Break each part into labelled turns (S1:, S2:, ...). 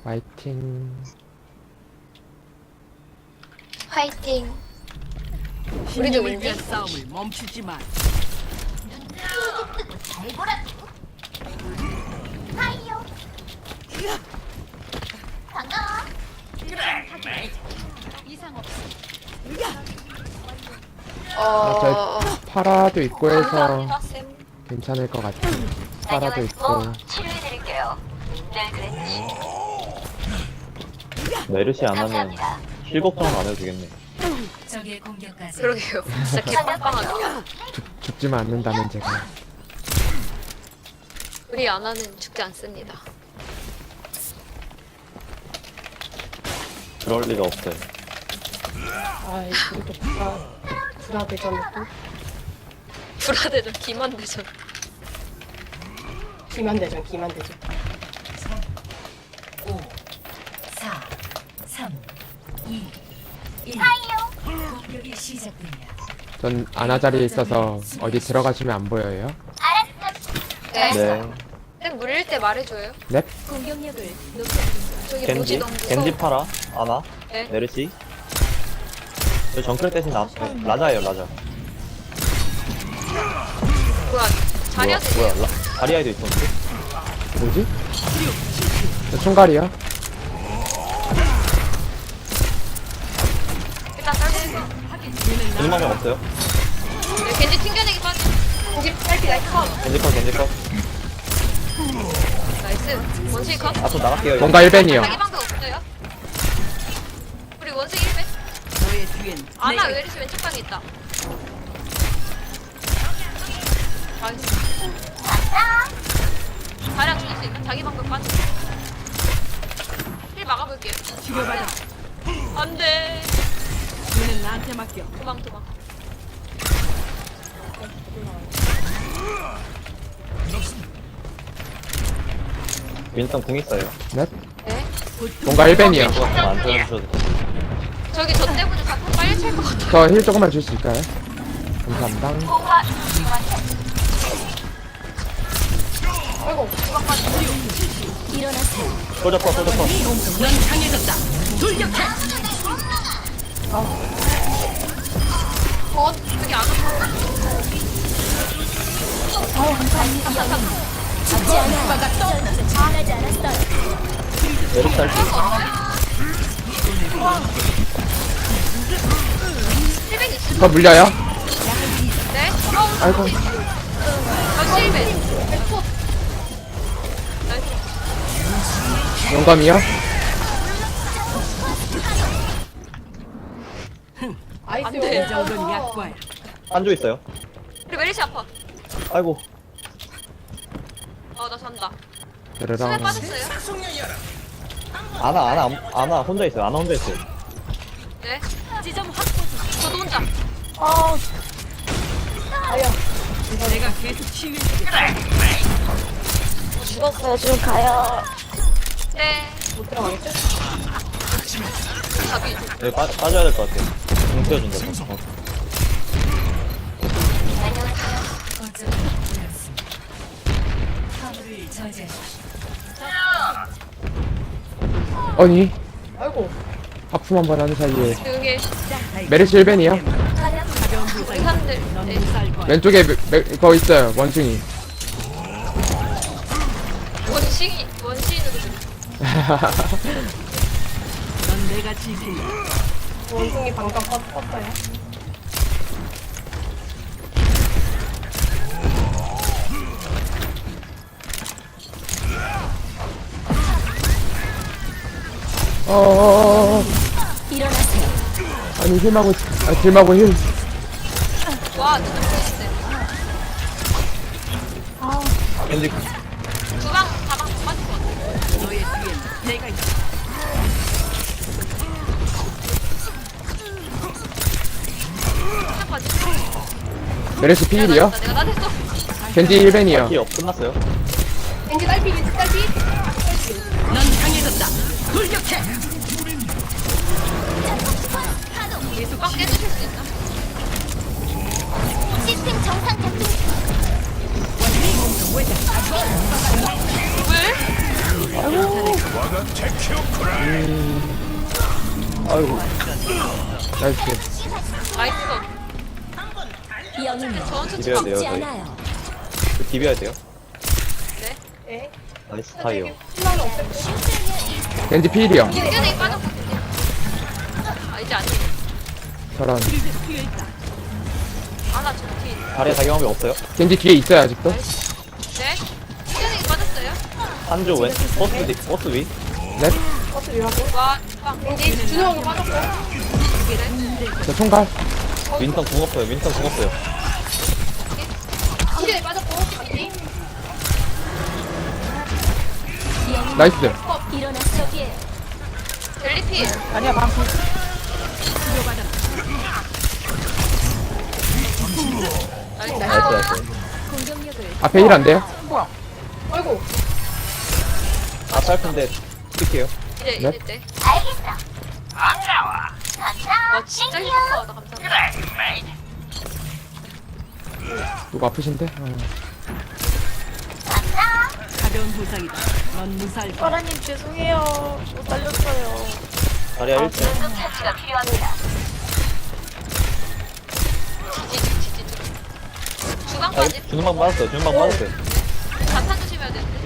S1: 화이팅.
S2: 화이팅. 우리도
S3: 신념을
S2: 윈디?
S3: 위한 싸움을 멈추지 마.
S1: 파라도 있고 해서
S2: 감사합니다, 쌤.
S1: 괜찮을 것 같아. 파라도 있고.
S2: 치료해드릴게요. 늘 그랬지.
S4: 메르시 안 하면 힐 걱정은 안 해도 되겠네.
S5: 적의 공격까지
S2: 그러게요. 진짜 개빵빵하다.
S1: 죽지만 않는다면 제가.
S2: 우리 아나는 죽지 않습니다.
S4: 그럴 리가 없어요.
S6: 아이 그래도 불화대전은 또
S2: 불화대전 기만대전.
S6: 기만대전
S5: 5 4 3 2 1 공격이 시작됩니다.
S1: 전 아나 자리에 있어서 어디 들어가시면 안 보여요.
S2: 네.
S4: 네.
S2: 쌤 물릴 때 말해줘요.
S1: 넵.
S5: 공격력을 높여드립니다.
S2: 저기
S4: 겐지?
S2: 모지 너무 무서워.
S4: 겐지 파라? 아나?
S2: 네.
S4: 메르시? 저 정크레 대신 라자예요, 라자.
S2: 뭐야? 자리야
S4: 뭐야, 다리아이도 있었는데?
S1: 뭐지? 저 총갈이요?
S2: 일단 떨고.
S4: 거짓말 명 없어요?
S2: 네, 겐지 튕겨내기 빠지. 고기 딸기 나이스 컷.
S4: 겐지 컷, 겐지 컷.
S2: 나이스. 원숭이 컷.
S4: 아, 좀 나갈게요. 이거.
S1: 뭔가 1벤이요.
S2: 자기 방도 없어요. 우리 원숭이 1배.
S3: 너의 뒤엔
S2: 아나
S3: 내가
S2: 웨리스 왼쪽 방에 있다. 나이스. 자리랑 죽일 수 있나? 자기 방도 빠지. 힐 막아볼게요.
S3: 치료받아.
S2: 안돼.
S3: 얘는 나한테 맡겨.
S2: 도망.
S4: 윈스턴 궁 있어요.
S1: 넵.
S2: 네.
S1: 뭔가 1벤이요.
S4: 그거 안 터져주셔도 돼요.
S2: 저기 저 때문에 자꾸 빨리 찰 것 같아.
S1: 저 힐 조금만 줄 수 있을까요? 감사합니다.
S4: 소저 컷, 소저 컷.
S3: 넌 강해졌다. 돌격해.
S2: 저기 안 와.
S4: 메르시 탈출.
S2: 힐벤 있어.
S1: 저 물려요?
S2: 네.
S1: 아이고.
S2: 저 힐벤. 나이스.
S1: 영감이요?
S6: 아이스
S2: 안 돼.
S3: 이 정도는 약과야.
S4: 한조 있어요.
S2: 우리 메리시 아파.
S4: 아이고.
S2: 나 잔다. 수면
S1: 드르렁.
S2: 빠졌어요?
S4: 아나 혼자 있어요. 아나 혼자 있어요.
S2: 네. 지점 확보 중. 저도 혼자.
S3: 내가 계속 치유해주겠다.
S2: 죽었어요. 지금 가요. 네.
S6: 못 들어가겠죠?
S2: 답이.
S4: 여기 빠져야 될 것 같아요. 궁 튀어준다.
S5: 거점을 잃었습니다. 화물을 저지하십시오.
S1: 아니,
S6: 아이고
S1: 하품 한 번 하는 사이에.
S2: 조용히 해.
S1: 메르시 1벤이요?
S3: 가벼운 부상이
S2: 의사들.
S3: 넌
S2: 네.
S3: 무사할 거야.
S1: 왼쪽에 그거 있어요. 원숭이.
S2: 원시인으로 들이.
S3: 넌 내가 지킨다.
S6: 원숭이 방금 껐어요.
S1: 어어어어. 아니, 힐마고 힐.
S2: 와, 진짜 멋있네.
S4: 겐지
S2: 두방 다방 빠질 것 같아.
S3: 너의 뒤엔 내가 있어.
S2: 한 빠지.
S1: 메르시 필이요?
S2: 내가 나 됐어.
S1: 겐지 1벤이요.
S4: 키 끝났어요.
S6: 겐지 딸피
S3: 넌 강해졌다. 돌격해.
S2: 두방 깨주실 수 있나?
S7: 시스템 정상 작동.
S2: 왜?
S4: 아이고.
S1: 나이스.
S2: 나이스.
S5: 영웅은
S2: 전투
S4: 비벼야 돼요,
S5: 죽지
S4: 저희.
S5: 않아요.
S4: 비벼야 돼요.
S6: 에?
S4: 나이스 타이어.
S6: 신랑이 없앴고.
S1: 겐지 필이요.
S2: 튕겨내기 빠졌거든요. 아 이제 아니네.
S1: 저런.
S3: 뒤에 있다.
S2: 아나 저기.
S4: 다리에 작용함이 없어요.
S1: 겐지 뒤에 있어요 아직도.
S2: 네? 튕겨내기 빠졌어요.
S4: 한조 왼, 버스 위.
S1: 네.
S6: 버스 위라고.
S2: 와 빵.
S6: 겐지 준호하고 빠졌고.
S1: 저 총갈.
S4: 윈턴 궁 없어요. 윈턴 궁 없어요.
S6: 튕겨내기 빠졌고. 겐지.
S1: 나이스.
S5: 일어나 저기에요.
S2: 델리필.
S6: 아니야 방금.
S2: 나이스.
S4: 나이스 나이스.
S5: 공격력을
S1: 앞에 일 안 돼요?
S6: 아이고.
S4: 아 짧은데 뛸게요.
S2: 이제
S1: 네?
S2: 이제 때. 알겠어. 와 진짜 힐링하다 감사합니다.
S1: 누구 아프신데?
S3: 가벼운 부상이다. 넌 무사할 거야.
S6: 파라님 죄송해요. 못 살렸어요.
S4: 다리야 1층. 아,
S2: 주방까지.
S4: 주는방 맞았어요. 주는방 맞았어요.
S2: 자탄 조심해야 되는데.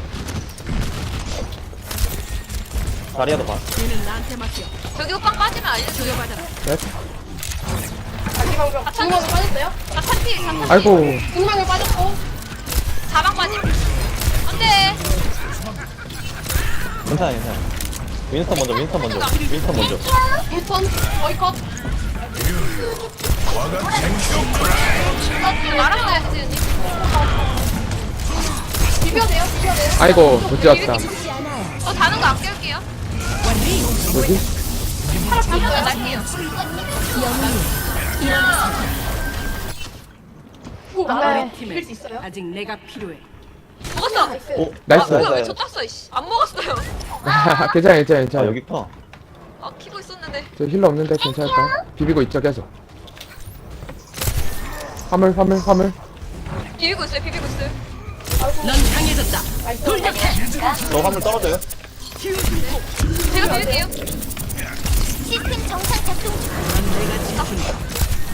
S4: 다리야도 봐.
S3: 얘는 나한테 맡겨.
S2: 저기 호빵 빠지면 알려줘요.
S3: 받아라.
S1: 네.
S6: 자기 방금. 중앙에 빠졌어요?
S2: 자탄 필. 자탄 필.
S1: 아이고.
S6: 중앙에 빠졌고.
S2: 자방 빠짐. 안돼.
S4: 괜찮아 괜찮아. 윈스턴 먼저. 윈스턴 먼저.
S6: 인턴 거의 컷.
S2: 말아봐요 세준님.
S6: 비벼야 돼요. 비벼야 돼요.
S1: 아이고 못 지었다.
S5: 죽지 않아요.
S2: 다는 거 안 깨울게요.
S1: 뭐지?
S2: 이거는 날게요.
S5: 영웅이 일어나세요.
S6: 오,
S3: 우리
S6: 나를
S3: 팀에
S6: 비빌 수 있어요?
S3: 아직 내가 필요해.
S2: 먹었어.
S6: 나이스.
S4: 오
S1: 나이스.
S2: 아, 뭐야
S4: 나이스.
S2: 왜저 땄어 이씨. 안 먹었어요.
S1: 괜찮아 괜찮아
S4: 아
S1: 괜찮아.
S4: 여기 있구나.
S2: 아 키고 있었는데.
S1: 저 힐러 없는데 괜찮을까요? 비비고 있죠 계속. 화물.
S2: 비비고 있어요. 비비고 있어요.
S3: 넌 강해졌다.
S6: 나이스.
S4: 저 화물 떨어져요.
S2: 제가 비빌게요.
S5: 시스템 정상 작동 중.
S3: 넌 내가 지킨다.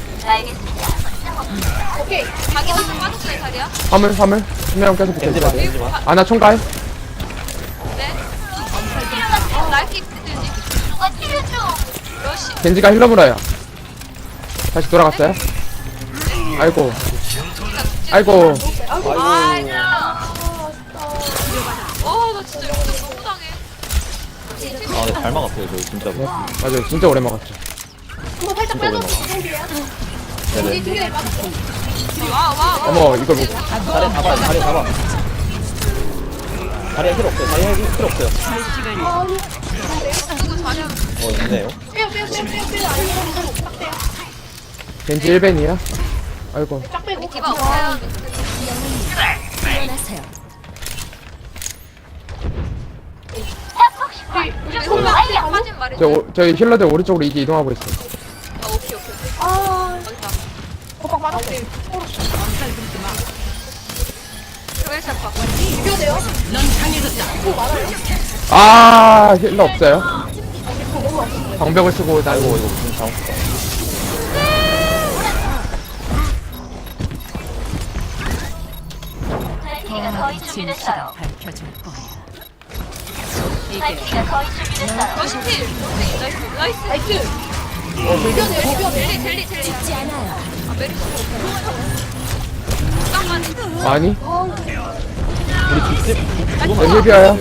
S6: 오케이.
S2: 자기 한번 빠졌어요 자리야.
S1: 화물. 한명 계속 붙어
S4: 겐지 봐.
S1: 있어요.
S4: 겐지 봐.
S1: 아나 총갈.
S2: 네. 날개 뜨지. 누가 튀겨줘. 러시.
S1: 겐지가 힐러 물어요. 다시 돌아갔어요. 아이고.
S6: 아이고.
S2: 아이고. 나 진짜 역전 너무 당해.
S4: 아 근데 잘 막았어요 저 진짜로.
S1: 네. 맞아요 진짜 오래 먹었죠.
S6: 한번 살짝
S4: 진짜
S6: 빼서
S4: 오랜만이야.
S6: 겐지
S4: 네네.
S6: 튕겨내기 빠졌고.
S2: 와.
S1: 어머 이걸 못.
S4: 다리 잡아. 다리야 힐 없어요. 힐 없어요.
S3: 할 시간이.
S6: 아니.
S2: 누구 자리야.
S4: 있네요.
S6: 빼요. 아니면 딱 빼요.
S1: 겐지 1벤이야. 아이고.
S6: 쫙 빼고.
S2: 디바 없어요.
S5: 일어나세요.
S2: 우리 손만 빠진 말이죠.
S1: 저희 힐러들 오른쪽으로 이제 이동하고 있어.
S2: 아 오케이.
S6: 아.
S2: 여기다.
S6: 호박 빠졌어요.
S3: 엄살 부리지 마.
S2: 그걸 잡아.
S6: 비벼야 돼요.
S3: 넌 강해졌다.
S6: 오, 많아요.
S1: 아 힐러 없어요. 방벽을 쓰고 나
S4: 아이고 이거 무슨 잘못했다.
S3: 진실을 밝혀줄 거야.
S2: 러시 필. 나이스.
S6: 나이스. 비벼야 돼요.
S2: 젤리.
S5: 죽지 않아요.
S2: 아 메르시. 깜깜이.
S1: 아니.
S4: 우리 뒷집
S1: 저 힐비어요.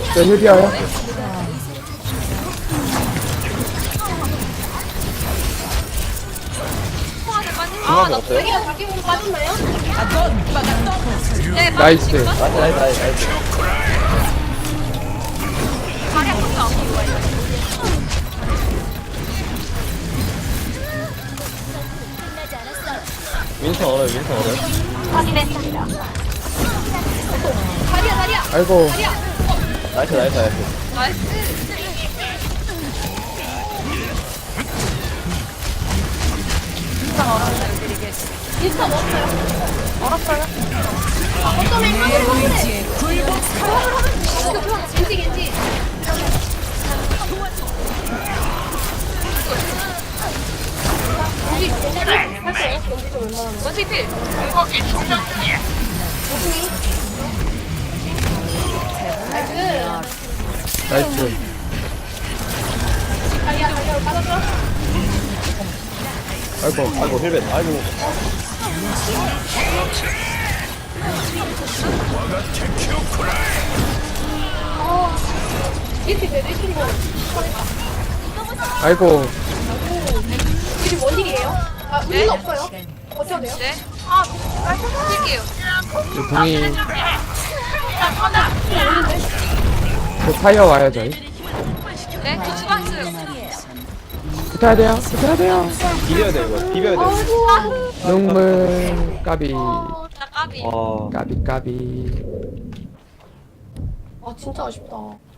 S2: 통화를 빠진.
S4: 중앙에
S2: 나
S4: 없어요?
S6: 자기가 자기 몸 빠졌나요?
S2: 네,
S1: 나이스.
S4: 나이스.
S2: 다리 아프지 않고.
S5: 끝나지 않았어요.
S4: 윈스턴 얼어요.
S6: 다리야.
S1: 아이고.
S4: 나이스.
S2: 나이스.
S6: 인스타 넣었어요. 얼었어요. 어쩌면 화물해. 겐지. 여기 할 거예요? 여기 좀 웬만하면.
S2: 원숭이 필.
S1: 나이스.
S6: 다리야, 받아줘.
S1: 아이고.
S4: 아이고 힐벤 아이고
S6: 이렇게 내리시면
S1: 아이고.
S6: 이게 뭔 일이에요? 아, 우리는 없어요. 어쩌면 돼요?
S2: 네. 킬게요.
S1: 이 궁이. 그 타이어 와요, 저희.
S2: 네. 저 주방 있어요.
S1: 붙어야 돼요. 붙어야 돼요.
S4: 비벼야 돼 이거 비벼야 돼
S6: 아이고.
S1: 눈물. 까비.
S2: 나 까비.
S4: 아
S1: 까비, 까비.
S6: 아, 진짜 아쉽다.